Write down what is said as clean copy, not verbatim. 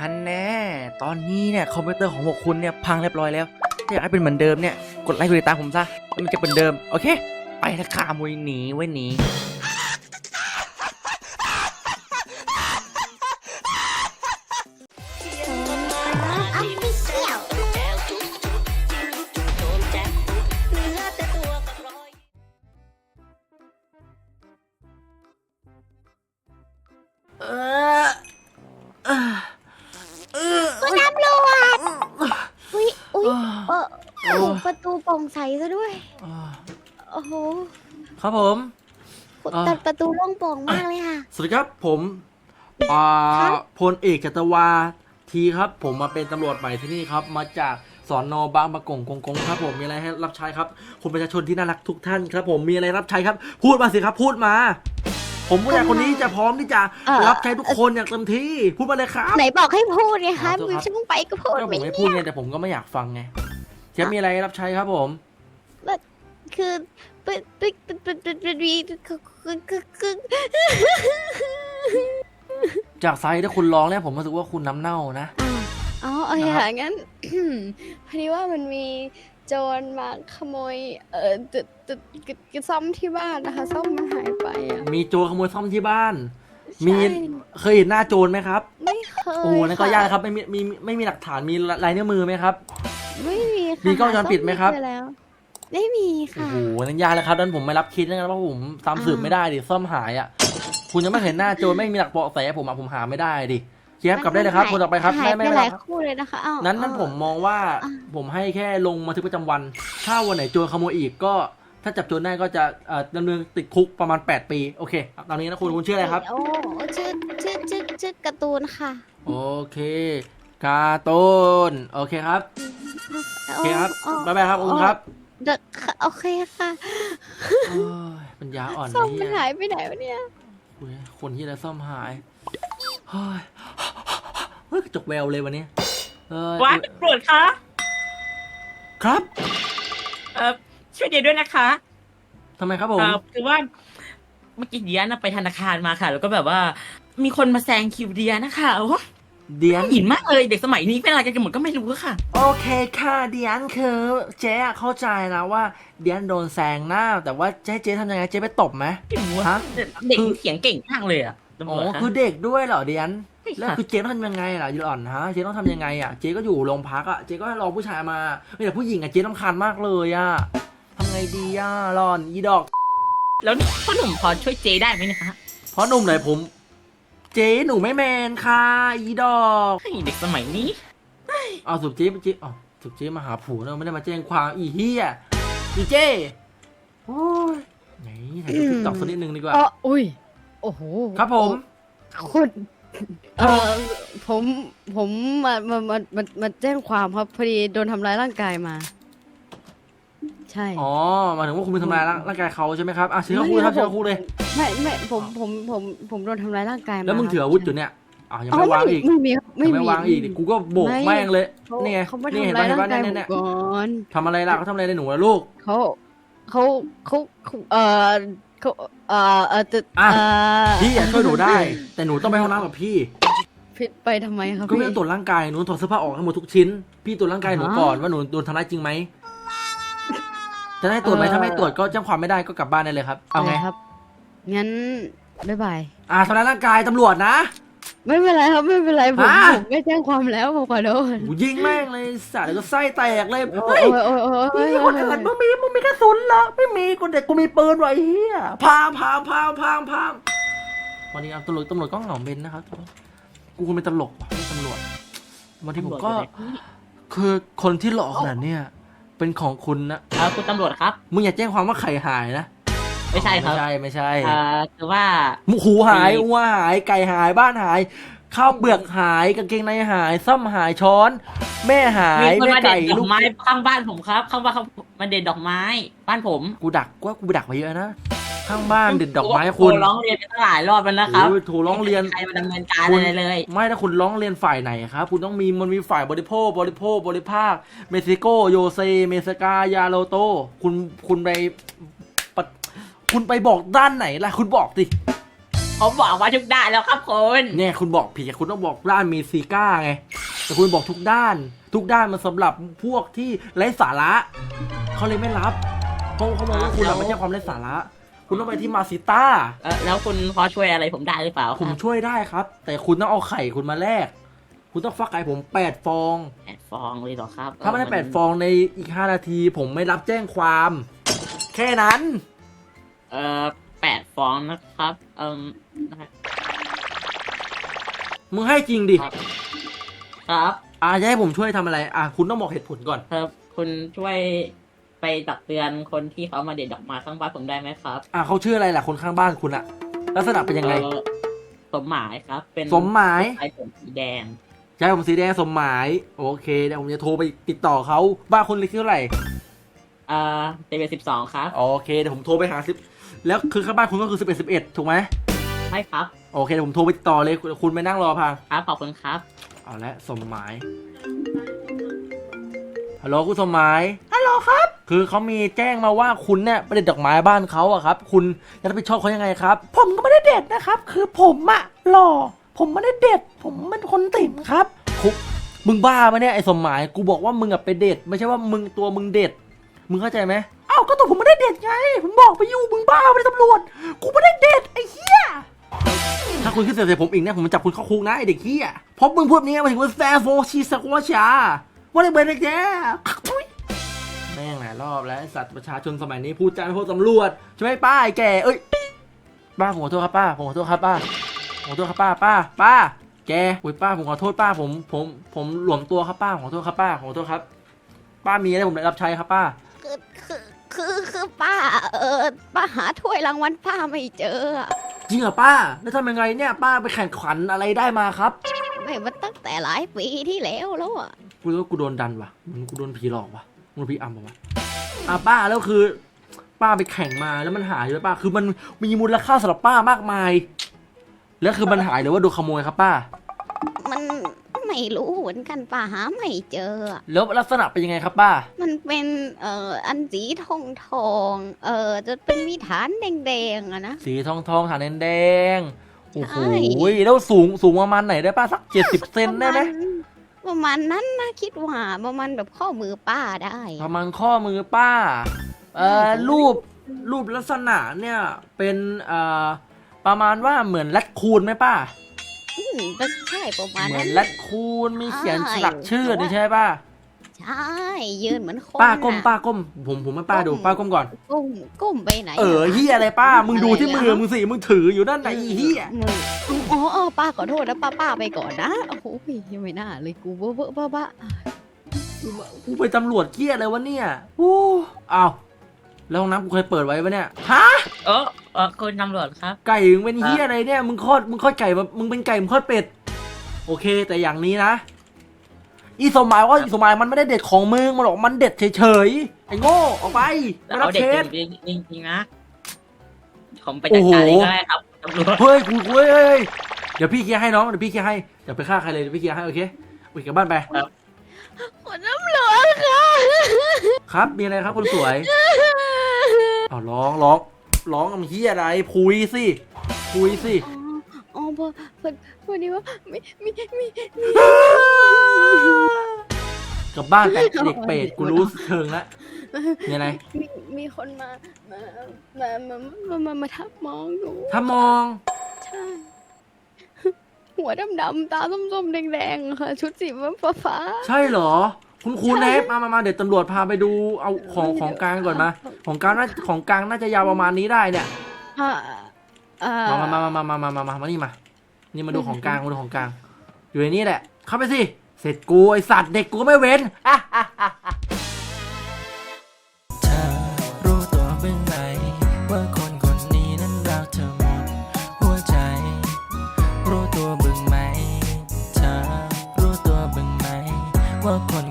ฮันแน่ตอนนี้เนี่ยคอมพิวเตอร์ของพวกคุณเนี่ยพังเรียบร้อยแล้วถ้าอยากให้เป็นเหมือนเดิมเนี่ยกดไลค์กดติดตามผมซะแล้วมันจะเป็นเดิมโอเคไปละค่ะมวยหนีไว้หนีคุณตำรวจอุ้ยประตูโปร่งใสซะด้วยโอ้โหครับผมแต่ประตูโล่งโปร่งมากเลยค่ะสวัสดีครับผมพลเอกจัตวาทีครับผมมาเป็นตำรวจใหม่ที่นี่ครับมาจากสน.บางประกงกงครับผมมีอะไรให้รับใช้ครับคุณประชาชนที่น่ารักทุกท่านครับผมมีอะไรรับใช้ครับพูดมาสิครับพูดมาผมผู้ใหญ่คนนี้จะพร้อมที่จะรับใช้ทุกคนอย่างเต็มที่พูดมาเลยครับไหนบอกให้พูดไงคะมือช่างไปก็พูดผมไม่พูดไงแต่ผมก็ไม่อยากฟังไงจะมีอะไรรับใช้ครับผมคือจากไซส์ถ้าคุณร้องเนี่ยผมรู้สึกว่าคุณน้ำเน่านะอ๋อโอเคค่ะงั้นพอดีว่ามันมีโจรมาขโมยซ่อมที่บ้านนะคะซ่อมมันหายไปอ่ะมีโจรขโมยซ่อมที่บ้านมีเคยเห็นหน้าโจรไหมครับไม่เคยโอ้นั่นก็ยากครับไม่มีหลักฐานมีลายนิ้วมือไหมครับไม่มีค่ะมีกล้องวงจรปิดไหมครับไม่มีค่ะโอ้โหนั่นยากแล้วครับนั้นผมไม่รับคิดแล้วกันเพราะผมตามสืบไม่ได้ดิซ่อมหายอ่ะคุณยังไม่เห็นหน้าโจรไม่มีหลักเบาะแสผมหาไม่ได้ดิเจี๊ยบกลับได้เลยครับคนต่อไปครับไม่หลายคู่เลยนะคะนั้นผมมองว่าผมให้แค่ลงบันทึกประจำวันถ้าวันไหนโจรขโมยอีกก็ถ้าจับโจรได้ก็จะดำเนินติดคุกประมาณ8 ปีโอเคตอนนี้นะคุณชื่ออะไรครับโอ้ชื่อการ์ตูนค่ะโอเคการ์ตูนโอเคครับโอเคครับบ๊ายบายครับคุณครับโอเคค่ะปัญญาอ่อนซ่อมมันหายไปไหนวะเนี่ยคนที่จะซ่อมหายเฮ้ยกระจกแววเลยวันนี้ว้าตำรวจคะครับช่วยเดียด้วยนะคะทำไมครับผมคือว่าเมื่อกี้เดียนไปธนาคารมาค่ะแล้วก็แบบว่ามีคนมาแซงคิวเดียนะคะเดียนหินมากเลยเด็กสมัยนี้เป็นอะไรกันหมดก็ไม่รู้ค่ะโอเคค่ะเดียนคือเจ๊เข้าใจนะว่าเดียนโดนแซงหน้าแต่ว่าเจ๊ทำยังไงเจ๊ไปตบไหมฮะเด็กเถียงเก่งมากเลยอ่ะอ๋อคือเด็กด้วยเหรอเดียนแล้วคือเจ๊ต้องทำยังไงล่ะยูอ่อนฮะเจ๊ต้องทำยังไงอ่ะเจ๊ก็อยู่โรงพักอ่ะเจ๊ก็รอผู้ชายมาไม่แต่ผู้หญิงอ่ะเจ๊รำคาญมากเลยอ่ะทำไงดีอ่ะรอนอีดอกแล้วพ่อหนุ่มพอช่วยเจ๊ได้ไหมนะคะเพราะหนุ่มไหนผมเจ๊หนูไม่แมนค่ะอีดอกเด็กสมัยนี้เอาสุดเจ๊สุดเจ๊มาหาผัวเราไม่ได้มาแจ้งความอีเหี้ยอีเจ๊โอ้ยไหนถ่ายติ๊กต็อกสักนิดนึงดีกว่าอุ้ยโอ้โหครับผมคุณผมมาแจ้งความครับพอดีโดนทำร้ายร่างกายมาใช่อ๋อมาถึงว่าคุณไปทำร้ายร่างกายเขาใช่ไหมครับเชิญคู่เลยครับเชิญคู่เลยไม่ผมโดนทำร้ายร่างกายมาแล้วมึงถืออาวุธอยู่เนี่ยยังไม่วางอีกไม่วางอีกกูก็โบกแม่งเลยนี่ไงนี่เห็นป่ะเนี่ยทำอะไรล่ะเขาทำอะไรในหนูล่ะลูกเขาพี่ช่วยหนูได้แต่หนูต้องไปห้องน้ำกับพี่ไปทำไมครับก็ไม่ต้องตรวจร่างกายหนูถอดเสื้อผ้าออกให้หมดทุกชิ้นพี่ตรวจร่างกายหนูก่อนว่าหนูโดนทำร้ายจริงไหมจะได้ตรวจไหมถ้าไม่ตรวจก็แจ้งความไม่ได้ก็กลับบ้านได้เลยครับเอาไงครับงั้นบ๊ายบายทำร้ายร่างกายตำรวจนะไม่เป็นไรครับไม่เป็นไรผมไม่แจ้งความแล้วผมขอโทษยิงแม่งเลยสัตว์แล้วก็ไส้แตกเลยเฮ้ยมีคนอื่นมึงมีกระสุนเหรอไม่มีกูเด็กกูมีปืนไว้เฮียพามวันนี้ตำรวจก็เหงาเบนนะครับกูเป็นตลกไม่ตำรวจวันที่ผมก็คือคนที่หลอกขนาดเนี้ยเป็นของคุณนะคุณตำรวจครับมึงอย่าแจ้งความว่าไข่หายนะไม่ใช่ครับไม่ใช่คือว่าหูหายวัวหายไก่หายบ้านหายข้าวเปลือกหายกางเกงในหายซ่อมหายช้อนแม่หายแม่ไก่ลูกไม้ข้างบ้านผมครับข้างบ้านเขามาเด็ดดอกไม้บ้านผมกูดักไปเยอะนะข้างบ้านเด็ดดอกไม้คุณร้องเรียนไปตั้งหลายรอบแล้วนะครับถูร้องเรียนใครมาดำเนินการอะไรเลยไม่ถ้าคุณร้องเรียนฝ่ายไหนครับคุณต้องมันมีฝ่ายบริภาคเม็กซิโกโยเซเมสกายาโลโตคุณไปบอกด้านไหนล่ะคุณบอกสิผมบอกว่าทุกด้านแล้วครับคุณเนี่ยคุณบอกผิดคุณต้องบอกด้านมีซีก้าไงแต่คุณบอกทุกด้าน ทุกด้านมันสำหรับพวกที่ไร้สาระเขาเลยไม่รับเขาบอกว่าคุณไม่ใช่ความไร้สาระคุณต้องไปที่มาซิต้าแล้วคุณพอช่วยอะไรผมได้หรือเปล่าผมช่วยได้ครับ แต่คุณต้องเอาไข่คุณมาแลกคุณต้องฟักไข่ผม8 ฟอง 8 ฟองเลยเหรอครับถ้าไม่ได้8 ฟองในอีก5 นาที ผมไม่รับแจ้งความ แค่นั้น 8 ฟองนะครับนะครับมึงให้จริงดิครับจะให้ผมช่วยทำอะไรคุณต้องบอกเหตุผลก่อนครับคุณช่วยไปตักเตือนคนที่เขามาเด็ดดอกไม้ข้างบ้านผมได้ไหมครับเขาชื่ออะไรล่ะคนข้างบ้านคุณอะลักษณะเป็นยังไงสมหมายครับ เป็นสมหมายไอ้ผมสีแดงใช่ผมสีแดงสมหมายโอเคเดี๋ยวผมจะโทรไปติดต่อเขาบ้านคุณเลขที่เท่าไหร่เตเบ12ครับโอเคเดี๋ยวผมโทรไปหาแล้วคือข้างบ้านคุณก็คือ11ถูกไหมใช่ครับโอเคเดี๋ยวผมโทรไปติดต่อเลยคุณไปนั่งรอพังครับขอบคุณครับเอาละสมหมายฮัลโหลคุณสมหมายฮัลโหลครับคือเขามีแจ้งมาว่าคุณเนี่ยไปเด็ดดอกไม้บ้านเขาอะครับคุณจะรับผิดชอบเขายังไงครับผมก็ไม่ได้เด็ดนะครับคือผมอะหล่อผมไม่ได้เด็ดผมเป็นคนติ่มครับมึงบ้าปะเนี่ยไอ้สมหมายกูบอกว่ามึงอะไปเด็ดไม่ใช่ว่ามึงเด็ดมึงเข้าใจไหมก็ตัวผมไม่ได้เด็ดไงผมบอกไปอยู่มึงบ้าไปเลยตำรวจกูไม่ได้เด็ดไอ้เหี้ยถ้าคุณขึ้นเสียงใส่ผมอีกนะผมจะจับคุณเข้าคุกนะไอ้เด็กเหี้ยเพราะมึงพูดนี้มาถึงว่าแซฟโฟชีสกัวชาว่าได้เบรนแกแม่งหลายรอบแล้วไอ้สัตว์ประชาชนสมัยนี้พูดจาไม่พูดตำรวจใช่ไหมป้าไอ้แกป้าผมขอโทษครับป้าผมขอโทษครับป้าผมขอโทษครับป้าแกอุ้ยป้าผมขอโทษป้าผมหลวมตัวครับป้าขอโทษครับป้าขอโทษครับป้ามีอะไรผมได้รับใช้ครับป้าคือป้าป้าหาถ้วยรางวัลป้าไม่เจอจริงเหรอป้าแล้วทำยังไงเนี่ยป้าไปแข่งขันอะไรได้มาครับไม่มาตั้งแต่หลายปีที่แล้วอ่ะกูรู้ว่ากูโดนดันว่ะมันกูโดนผีหลอกว่ะมึงผีอำป่ะวะป้าแล้วคือ ป้าไปแข่งมาแล้วมันหายเลยป้าคือมันมีมูลค่าสำหรับป้ามากมายแล้วคือมันหายหรือว่าโดนขโมยครับป้ามันไม่รู้เหมือนกันป้าหาไม่เจอแล้วลักษณะเป็นยังไงครับป้ามันเป็นอันสีทองจะเป็นมีฐานแดงๆอะนะสีทองฐานแดงโอ้โหแล้วสูงประมาณไหนได้ป้าสัก70 เซนได้ไหมประมาณนั้นนะคิดว่าประมาณแบบข้อมือป้าได้ประมาณข้อมือป้ารูปลักษณะเนี่ยเป็นประมาณว่าเหมือนแรดคูนไหมป้าใช่ประมาณนั้นเหมือนแรดคูนมีเขียนสลักชื่อนี่ใช่ป่ะใช่ยืนเหมือนคนป้าก้มผมให้ป้าดูป้าก้มก่อนก้มไปไหนเฮียอะไรป้ามึงดูที่มือมึงสิมึงถืออยู่นั่นไหนเฮียอ๋อป้าขอโทษนะป้าไปก่อนนะโอ้โหยังไม่น่าเลยกูบ้ากูไปตำรวจเกี้ยอะไรวะเนี่ยอ้าวแล้วห้องน้ำกูเคยเปิดไว้ปะเนี่ยฮะคุณตำรวจครับไก่มึงเป็นเฮียอะไรเนี่ยมึงคลอดไก่มึงเป็นไก่มึงคลอดเป็ดโอเคแต่อย่างนี้นะอีสมัยมันไม่ได้เด็ดของมึงมันหรอกมันเด็ดเฉยๆไอ้โง่ออกไปไม่รับเคสจริงนะผมไปจัดการเองก็ได้ครับตำรวจเฮ้ยเดี๋ยวพี่เคลียร์ให้น้องเดี๋ยวพี่เคลียร์ให้เดี๋ยวไปฆ่าใครเลยเดี๋ยวพี่เคลียร์ให้โอเคกลับบ้านไปคุณตำรวจค่ะครับมีอะไรครับคนสวยร้องเฮียอะไรคุยสิพอดีว่ามีกลับบ้านไปเด็กเป็ดกูรู้เชิงแล้วมีอะไรมีคนมาทับมองหนูทับมองใช่หัวดำๆตาส้มๆแดงๆค่ะชุดสีฟ้าใช่เหรอคุณนะมาเดี๋ยวตำรวจพาไปดูเอาของกลางก่อนมาของกลางน่าจะยาวประมาณนี้ได้เนี่ยมานี่มาดูของกลางอยู่ในนี้แหละเข้าไปสิเสร็จกูไอสัตว์เด็กกูไม่เว้นเธอรู้ตัวบ้างไหมว่าคนคนนี้นั้นรักเธอหมดหัวใจรู้ตัวบ้างไหมเธอรู้ตัวบ้างไหมว่าคน